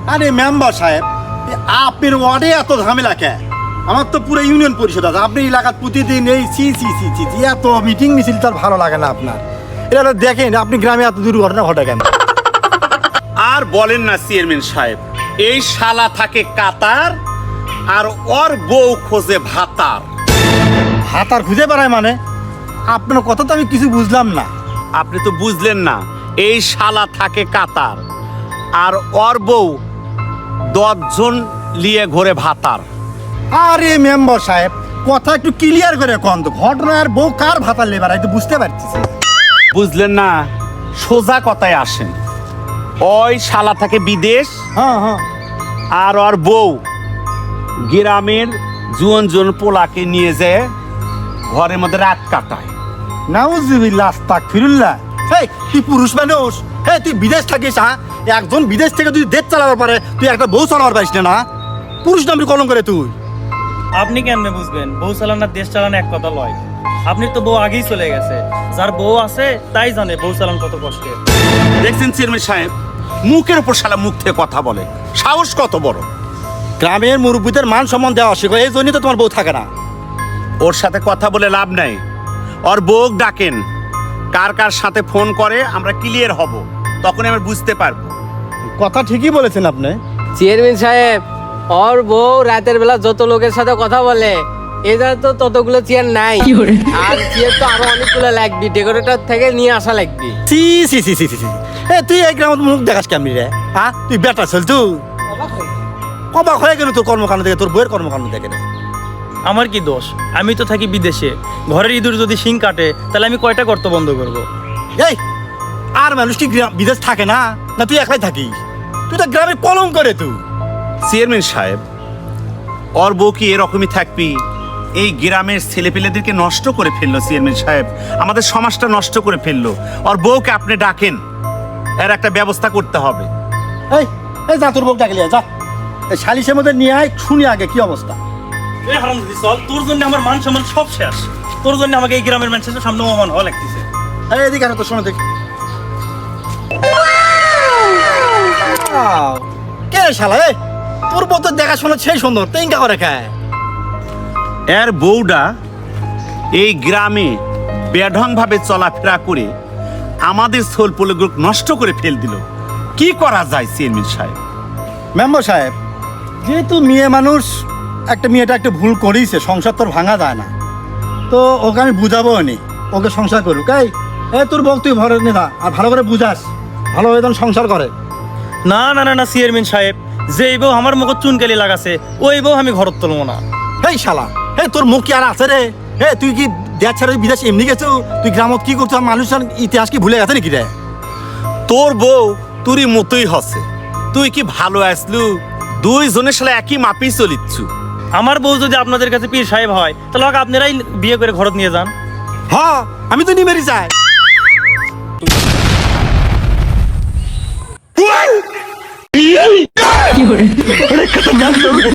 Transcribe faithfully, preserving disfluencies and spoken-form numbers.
আরে মেম্বার সাহেব, আপনার ওয়ার্ডে এত ঝামেলা কে? আমার তো পুরো ইউনিয়ন পরিষদ আছে, আপনি এলাকার প্রতিদিন এই সি সি সি সি সি এত মিটিং মিছিল তার ভালো লাগে না আপনার। এটা দেখেন আপনি গ্রামে এত দুর্ঘটনা ঘটে কেন? আর বলেন না চেয়ারম্যান সাহেব, এই শালা থাকে কাতার আর ওর বউ খোঁজে ভাতার। হাত আর খুঁজে বেড়ায় মানে? আপনার কথা তো আমি কিছু বুঝলাম না। আপনি তো বুঝলেন না, এই শালা থাকে কাতার আর ওর বউ দশজন লিয়ে ঘোরে ভাতার। আরে মেম্বার সাহেব, কথা একটু ক্লিয়ার করে কন তো, ঘটনা আর বউ কার ভাতার লেবার আমি তো বুঝতে পারছি। বুঝলেন না, সোজা কথায় আসেন। ওই শালা থাকে বিদেশ হ্যাঁ হ্যাঁ, আর ওর বউ গ্রামের জুয়ন জুয়ন পোলাকে নিয়ে যায় ঘরের মধ্যে রাত কাটায়। নাউজুবিল্লাহ আস্তাগফিরুল্লাহ। এই তুই পুরুষ মানুষ, হ্যাঁ তুই বিদেশ থাকিস, হ্যাঁ একজন বিদেশ থেকে তুই দেশ চালাবার পারে, তুই একটা বউ চালাবার পারিস না? না পুরুষ নামটি কলম করে তুই। আপনি কেমনে বুঝবেন বউ চালানোর দেশ চালানো এক কথা লয়? আপনি তো বউ আগেই চলে গেছে, যার বউ আছে তাই জানে বউ চালানো কত কষ্টের। দেখছেন চেয়ারম্যান সাহেব, মুখের উপর শালা মুখ থেকে কথা বলে, সাহস কত বড়। গ্রামের মুরব্বীদের মান সম্মান দেওয়া অস্বীকার, এই জন্যই তো তোমার বউ থাকে না। ওর সাথে কথা বলে লাভ নাই, ওর বউ ডাকেন, কার কার সাথে ফোন করে আমরা ক্লিয়ার হব, তখন আমরা বুঝতে পারবো। কথা ঠিকই বলেছেন আপনি। চেয়ারম্যান সাহেব, ওর বউ রাতের বেলা যত লোকের সাথে কথা বলে, এদের তো ততগুলো চেয়ার নাই, আর চেয়ার তো আরো অনেকগুলো লাগবে, ডেকোরেটর থেকে নিয়ে আসা লাগবে। সি সি সি সি সি সি। এ তুই এই গ্রামের মুখ দেখাস কেমনি রে? হ্যাঁ তুই বেটা চল, তুই অবাক হয়ে গেল তোর কর্মকাণ্ড দেখে, তোর বইয়ের কর্মকাণ্ড দেখে। আমার কি দোষ? আমি তো থাকি বিদেশে, ঘরের ইঁদুর যদি শিং কাটে তাহলে আমি কয়টা গর্ত বন্ধ করব? এই আর মানুষ কি গ্রাম- বিদেশ থাকে না? না তুই একলাই থাকিস? তুই তো গ্রামে কলম করে তুই। চেয়ারম্যান সাহেব, ওর বউ কি এরকমই থাকবি? এই গ্রামের ছেলেপেলেদেরকে নষ্ট করে ফেললো চেয়ারম্যান সাহেব, আমাদের সমাজটা নষ্ট করে ফেললো। ওর বউকে আপনি ডাকেন, এর একটা ব্যবস্থা করতে হবে। এই এই যা তোর বউ ডাকলি যা, এই সালিশের মধ্যে নিয়ে আয়, শুনি আগে কি অবস্থা। এই হারামজাদি চল, তোর জন্য আমার মান সম্মান সব শেষ। তোর জন্য আমাকে এই গ্রামের মানুষের সামনে অপমান হওয়া লাগতেছে। এই এদিকে আনো তো, শোনো দেখি। কে রে শালা? এই তোর বউ তো দেখাশোনা সেই সুন্দর, তেঙ্কা করে খায়। এর বউটা এই গ্রামে বেঢং ভাবে চলাফেরা করে আমাদের সোল পোলগুলো নষ্ট করে ফেল দিল। কি করা যায় চেয়ারম্যান সাহেব? মেম্বার সাহেব, যেহেতু মেয়ে মানুষ, একটা মেয়েটা একটা ভুল করেইছে, সংসার তোর ভাঙা যায় না, তো ওকে আমি বুঝাবো নি, ওকে সংসার করুক। এই এ তোর বউ তুই ঘরে নিয়ে যা, আর ভালো করে বুঝাস, ভালো বেতন সংসার করে। না না না না চেয়ারম্যান সাহেব, যেই বউ আমার মুখ চুনকালি লাগাছে ওই বউ আমি ঘরত তুলবো না। হেই শালা, হে তোর মুখ কি আর আছে রে? হে তুই কি দেশ ছেড়ে বিদেশ এমনি গেছো? তুই গ্রামত কি করছো? মানুষের ইতিহাস কি ভুলে গেছে নাকি রে? তোর বউ তুরি মতোই হসে, তুই কি ভালো আসলু? দুইজনের সাথে একই মাপেই চলিচ্ছু। আমার বউ যদি আপনাদের কাছে পীর সাহেব হয় তাহলে ওকে আপনারাই বিয়ে করে ঘরত নিয়ে যান। হ্যাঁ আমি তো নিমেরি চাই।